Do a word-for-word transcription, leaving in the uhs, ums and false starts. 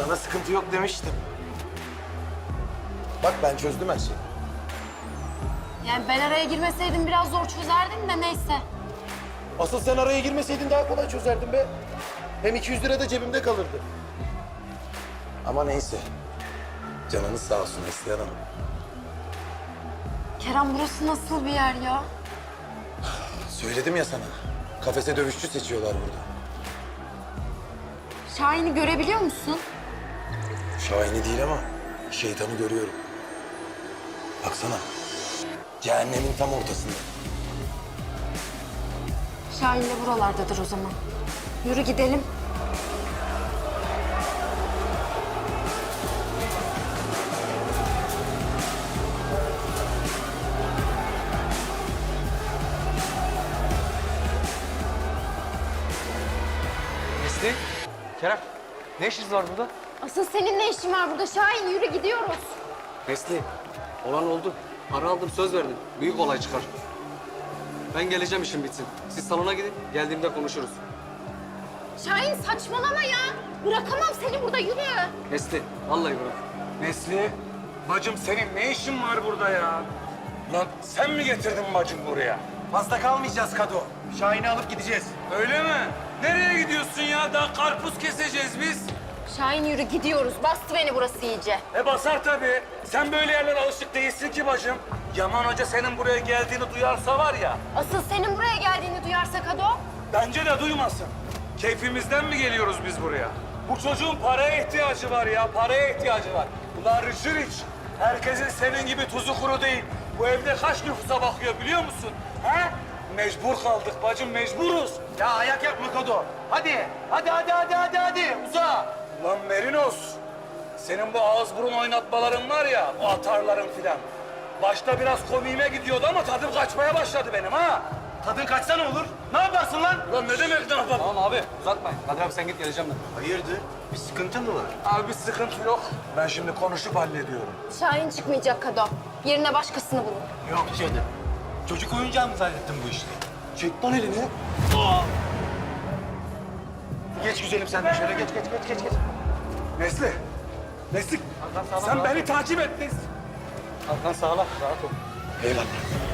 Sana sıkıntı yok demiştim. Bak ben çözdüm her şeyi. Yani ben araya girmeseydim biraz zor çözerdim de neyse. Asıl sen araya girmeseydin daha kolay çözerdin be. Hem iki yüz lira da cebimde kalırdı. Ama neyse. Canınız sağ olsun Neslihan Hanım. Kerem burası nasıl bir yer ya? Söyledim ya sana. Kafese dövüşçü seçiyorlar burada. Şahin'i görebiliyor musun? Şahini değil ama şeytanı görüyorum. Baksana. Cehennemin tam ortasında. Şahin de buralardadır o zaman. Yürü gidelim. Nesli, Kerem, ne işiniz var burada? Asıl senin ne işin var burada Şahin? Yürü gidiyoruz. Nesli, olan oldu. Para aldım, söz verdim. Büyük olay çıkar. Ben geleceğim, işim bitsin. Siz salona gidin, geldiğimde konuşuruz. Şahin saçmalama ya. Bırakamam seni burada, yürü. Nesli, vallahi bırak. Nesli, bacım senin ne işin var burada ya? Lan sen mi getirdin bacım buraya? Fazla kalmayacağız Kado. Şahin'i alıp gideceğiz. Öyle mi? Nereye gidiyorsun ya? Daha karpuz keseceğiz biz. Şahin yürü gidiyoruz. Bastı beni burası iyice. E basar tabii. Sen böyle yerlere alışık değilsin ki bacım. Yaman Hoca senin buraya geldiğini duyarsa var ya, Asıl senin buraya geldiğini duyarsa Kado. bence de duymasın. Keyfimizden mi geliyoruz biz buraya? Bu çocuğun paraya ihtiyacı var ya, paraya ihtiyacı var. Ulan Rıçır iç. Herkesin senin gibi tuzu kuru değil. Bu evde kaç nüfusa bakıyor biliyor musun? He? Mecbur kaldık bacım, mecburuz. Ya ayak yapma Kado. Hadi. Hadi hadi hadi hadi hadi. Uza. Lan Merinos, senin bu ağız burun oynatmaların var ya, bu atarların filan. Başta biraz komiğime gidiyordu ama tadım kaçmaya başladı benim ha. Tadın kaçsa ne olur? Ne yaparsın lan? Lan ne demek ne yapalım? Tamam abi, uzatmayın. Kadir abi sen git, geleceğim ben. Hayırdır? Bir sıkıntı mı var? Abi bir sıkıntı yok. Ben şimdi konuşup hallediyorum. Şahin çıkmayacak Kado. Yerine başkasını bulun. Yok canım. Çocuk oyuncağı mı zannettin bu işte? Çek lan elini. Geç güzelim sen de şöyle geç geç geç geç. geç. Nesli, Nesli, Hakan sağlam, sen rahat beni ol. takip et Nesli. Hakan sağla, rahat ol. Eyvallah.